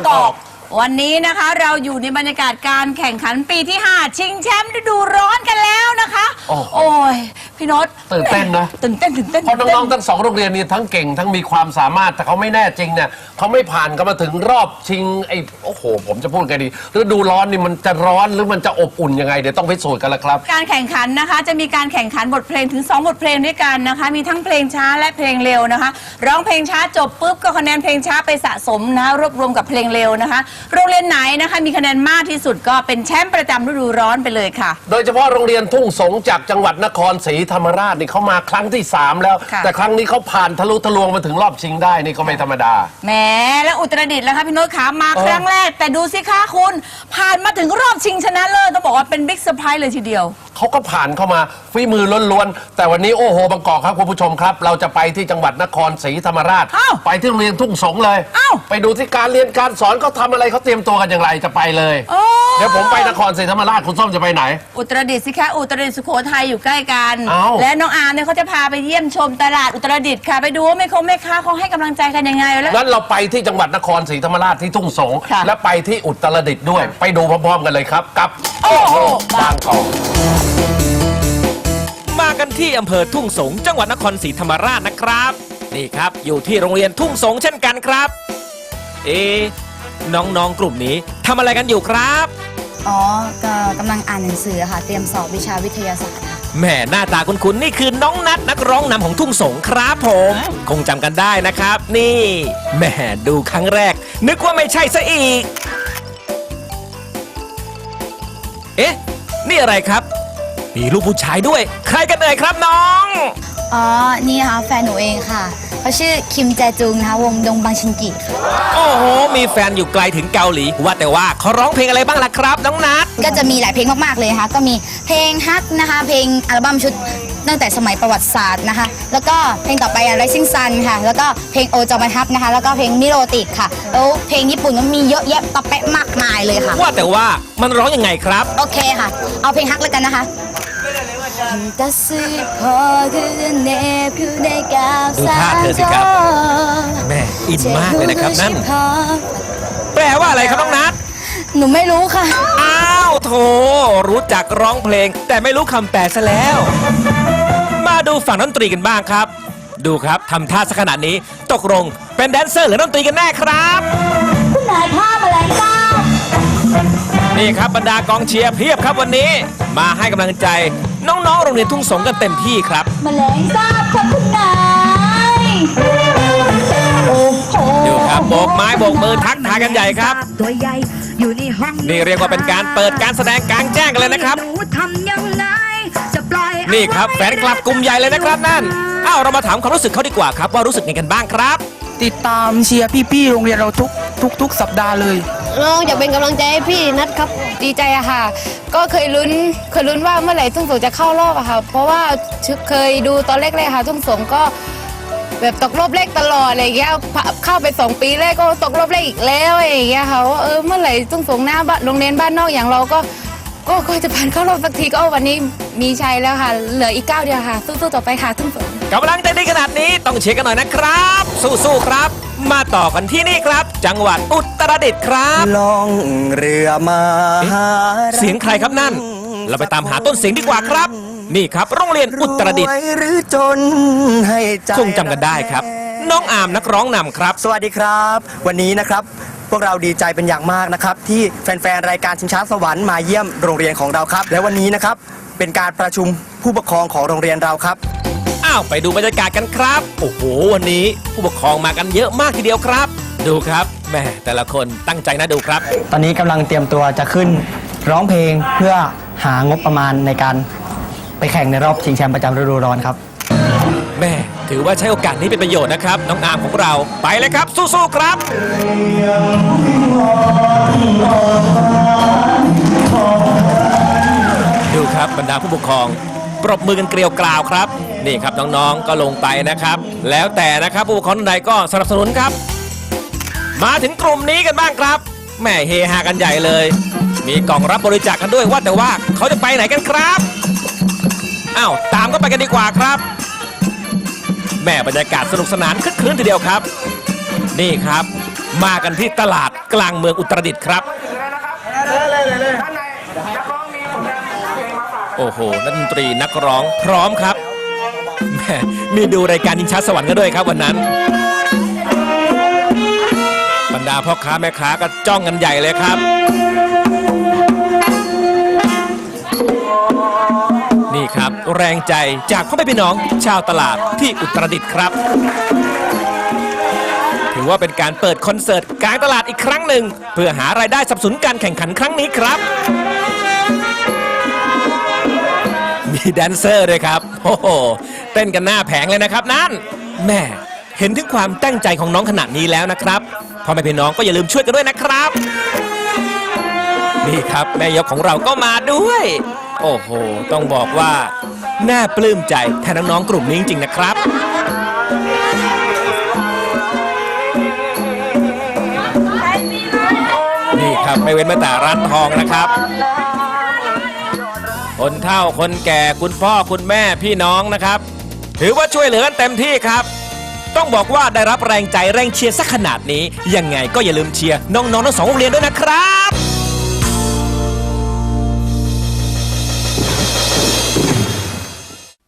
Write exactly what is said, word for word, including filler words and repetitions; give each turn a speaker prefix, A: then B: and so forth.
A: กอกวันนี้นะคะเราอยู่ในบรรยากาศการแข่งขันปีที่ห้าชิงแชมป์ฤดูร้อนกันแล้วนะคะโอ้ยพี่โน้ต
B: ตื่นเต้นนะ
A: ตื่นเต้นตื่นเต้น
B: เพราะน้องๆทั้งสองโรงเรียนนี้ทั้งเก่งทั้งมีความสามารถแต่เขาไม่แน่จริงเนี่ยเขาไม่ผ่านกันมาถึงรอบชิงไอ้โอ้โหผมจะพูดไงดีฤดูร้อนนี่มันจะร้อนหรือมันจะอบอุ่นยังไงเดี๋ยวต้องพิสูจน์กันละครับ
A: การแข่งขันนะคะจะมีการแข่งขันบทเพลงถึงสองบทเพลงด้วยกันนะคะมีทั้งเพลงช้าและเพลงเร็วนะคะร้องเพลงช้าจบปุ๊บก็คะแนนเพลงช้าไปสะสมนะรวบรวมกับเพลงเร็วนะคะโรงเรียนไหนนะคะมีคะแนนมากที่สุดก็เป็นแชมป์ประจำฤดูร้อนไปเลยค่ะ
B: โดยเฉพาะโรงเรียนทุ่งสงจากจังหวัดนครศรีธรรมราชนี่เขามาครั้งที่สามแล้วแต่ครั้งนี้เขาผ่านทะลุทะลวงมาถึงรอบชิงได้นี่ก็ไม่ธรรมดา
A: แหมแล้วอุตรดิตถ์แล้วคะพี่โน้ตขามาครั้งแรกแต่ดูสิคะคุณผ่านมาถึงรอบชิงชนะเลิศต้องบอกว่าเป็นบิ๊กเซอร์ไพรส์เลยทีเดียว
B: เขาก็ผ่านเข้ามาฝีมือล้วนๆแต่วันนี้โอ้โหบางกอกครับคุณผู้ชมครับเราจะไปที่จังหวัดนครศรีธรรมราชไปที่โรงเรียนทุ่งสงเลยไปดูที่การเรียนการสอนเขาทำอะไรเขาเตรียมตัวกันอย่างไรจะไปเลยเดี๋ยวผมไปนครศรีธรรมราชคุณส้มจะไปไหน
A: อุตรดิตถ์สิคะอุตรดิตถ์สุโขทัยอยู่ใกล้กันและน้องอาร์มเนี่ยเขาจะพาไปเยี่ยมชมตลาดอุตรดิตถ์ค่ะไปดูว่าแม่คงแม่ค้าเขาให้กำลังใจกันยังไงแล้ว
B: งั้นเราไปที่จังหวัดนครศรีธรรมราชที่ทุ่งสงและไปที่อุตรดิตถ์ด้วยไปดูพร้อมๆกันเลยครับกับโอ้โหบางกอก
C: มากันที่อำเภอทุ่งสงจังหวัดนครศรีธรรมราชนะครับนี่ครับอยู่ที่โรงเรียนทุ่งสงเช่นกันครับเอ๊น้องๆกลุ่มนี้ทำอะไรกันอยู่ครับ
D: อ๋อก็กำลังอ่านหนังสือค่ะเตรียมสอบวิชาวิทยาศาสตร์ค่ะ
C: แหมหน้าตาคุ้นๆนี่คือน้องนัทนักร้องนำของทุ่งสงครับผมคงจำกันได้นะครับนี่แหมดูครั้งแรกนึกว่าไม่ใช่ซะอีกเอ๊ะนี่อะไรครับมีลูกผู้ชายด้วยใครกันเอ่ยครับน้อง
D: อ๋อนี่ค่ะแฟนหนูเองค่ะเขาชื่อคิมแจจุงนะคะวงดงบังชินกิค่ะ
C: โอ้โหมีแฟนอยู่ไกลถึงเกาหลีว่าแต่ว่าเขาร้องเพลงอะไรบ้างล่ะครับน้องนัท
D: ก็จะมีหลายเพลงมากๆเลยค่ะก็มีเพลงฮักนะคะเพลงอัลบั้มชุดตั้งแต่สมัยประวัติศาสตร์นะคะแล้วก็เพลงต่อไปอะไรซิ่งซันค่ะแล้วก็เพลงโอจอมันฮับนะคะแล้วก็เพลงมิโรติกค่ะแล้วเพลงญี่ปุ่นก็มีเยอะแยะตะเปะมากมายเลยค่ะ
C: ว่าแต่ว่ามันร้องยังไงครับ
D: โอเคค่ะเอาเพลงฮักแล้วกันนะคะ
C: ดูท่าเธอสิครับแม่อินมากเลยนะครับนั่นแปลว่าอะไรครับน้องนัท
D: หนูไม่รู้ค่ะ
C: อ้าวโถรู้จักร้องเพลงแต่ไม่รู้คำแปลซะแล้วมาดูฝั่งดนตรีกันบ้างครับดูครับทำท่าสักขนาดนี้ตกลงเป็นแดนเซอร์หรือดนตรีกันแน่ครับ
D: คุณนายท่ามาแล้วจ้า
C: นี่ครับบรรดากองเชียร์เพียบครับวันนี้มาให้กำลังใจน้องๆโรงเรียนทุ่งสงกันเต็มที่ครับ
D: แมลงสาบครับคุณนาย
C: ดูครับโบกไม้โบกมือทักทายกันใหญ่ครับนี่เรียกว่าเป็นการเปิดการแสดงกลางแจ้งกันเลยนะครับนี่ครับแฟนคลับกลุ่มใหญ่เลยนะครับนั่นอ้าวเรามาถามความรู้สึกเขาดีกว่าครับว่ารู้สึกยังไงกันบ้างครับ
E: ติดตามเชียร์พี่ๆโรงเรียนเราทุกทุกทุกสัปดาห์เลย
F: น้องอยากเป็นกำลังใจให้พี่นัทครับ
D: ดีใจอะค่ะก็เคยลุ้นเคยลุ้นว่าเมื่อไหร่ทุ่งสงจะเข้ารอบอะค่ะเพราะว่าเคยดูตอนแรกๆค่ะทุ่งสงก็แบบตกรอบแรกตลอดอะไรอย่างเงี้ยเข้าไปสองปีแรกก็ตกรอบแรกอีกแล้วอะไรอย่างเงี้ยค่ะว่าเออเมื่อไหร่ทุ่งสงหน้าบ้านโรงเรียนบ้านนอกอย่างเราก็ก็ก็จะผ่านเข้ารอบสักทีก็วันนี้มีชัยแล้วค่ะเหลืออีกเก้าเดียวค่ะสู้ๆต่อไปค่ะทุ่งสง
C: กำลังใจดีขนาดนี้ต้องเชียร์กันหน่อยนะครับสู้ๆครับมาต่อกันที่นี่ครับจังหวัดอุตรดิตถ์ครับ
G: ล่องเรือมา
C: เสียงใครครับนั่นเราไปตามหาต้นเสียงดีกว่าครับนี่ครับโรงเรียนอุตรดิตถ์คงจำกันได้ครับน้องอามนักร้องนำครับ
G: สวัสดีครับวันนี้นะครับพวกเราดีใจเป็นอย่างมากนะครับที่แฟนๆรายการชิงช้าสวรรค์มาเยี่ยมโรงเรียนของเราครับและวันนี้นะครับเป็นการประชุมผู้ปกครองของโรงเรียนเราครับ
C: อ้าวไปดูบรรยากาศกันครับโอ้โหวันนี้ผู้ปกครองมากันเยอะมากทีเดียวครับดูครับแม่แต่ละคนตั้งใจนะดูครับ
H: ตอนนี้กำลังเตรียมตัวจะขึ้นร้องเพลงเพื่อหางบประมาณในการไปแข่งในรอบชิงแชมป์ประจำฤดูร้อนครับ
C: แม่ถือว่าใช้โอกาสนี้เป็นประโยชน์นะครับน้องอามของเราไปเลยครับสู้ๆครับดูครับบรรดาผู้ปกครองปรบมือกันเกลียวกราวครับนี่ครับน้องๆก็ลงไปนะครับแล้วแต่นะครับผู้ปกครองท่านใดก็สนับสนุนครับมาถึงกลุ่มนี้กันบ้างครับแม่เฮฮากันใหญ่เลยมีกล่องรับบริจาค ก, กันด้วยว่าแต่ว่าเขาจะไปไหนกันครับอ้าวตามก็ไปกันดีกว่าครับแม่บรรยากาศสนุกสนานคึกคืนทีเดียวครับนี่ครับมากันที่ตลาดกลางเมืองอุตรดิตถ์ครับ โอ้โหนักดนตรีนักร้องพร้อมครับแหมมีดูรายการชิงช้าสวรรค์กันด้วยครับวันนั้นบรรดาพ่อค้าแม่ค้าก็จ้องกันใหญ่เลยครับ นี่ครับแรงใจจากพ่อแม่พี่น้องชาวตลาดที่อุตรดิตถ์ครับ ถือว่าเป็นการเปิดคอนเสิร์ตกลางตลาดอีกครั้งหนึ่งเพื่อหารายได้สนับสนุนการแข่งขันครั้งนี้ครับ มีแดนเซอร์ด้วยครับโอ้โหเต้นกันหน้าแผงเลยนะครับนั่นแม่เห็นถึงความตั้งใจของน้องขนาดนี้แล้วนะครับพ่อแม่พี่น้องก็อย่าลืมช่วยกันด้วยนะครับนี่ครับแม่ยกของเราก็มาด้วย โอ้โหต้องบอกว่าน่าปลื้มใจแทนน้องๆกลุ่มนี้จริงๆนะครับนี่ครับไม่เว้นแม้แต่ร้านทองนะครับคนเฒ่าคนแก่คุณพ่อคุณแม่พี่น้องนะครับถือว่าช่วยเหลือกันเต็มที่ครับต้องบอกว่าได้รับแรงใจแรงเชียร์สักขนาดนี้ยังไงก็อย่าลืมเชียร์น้องๆทั้งสองโรงเรียนด้วยนะครับ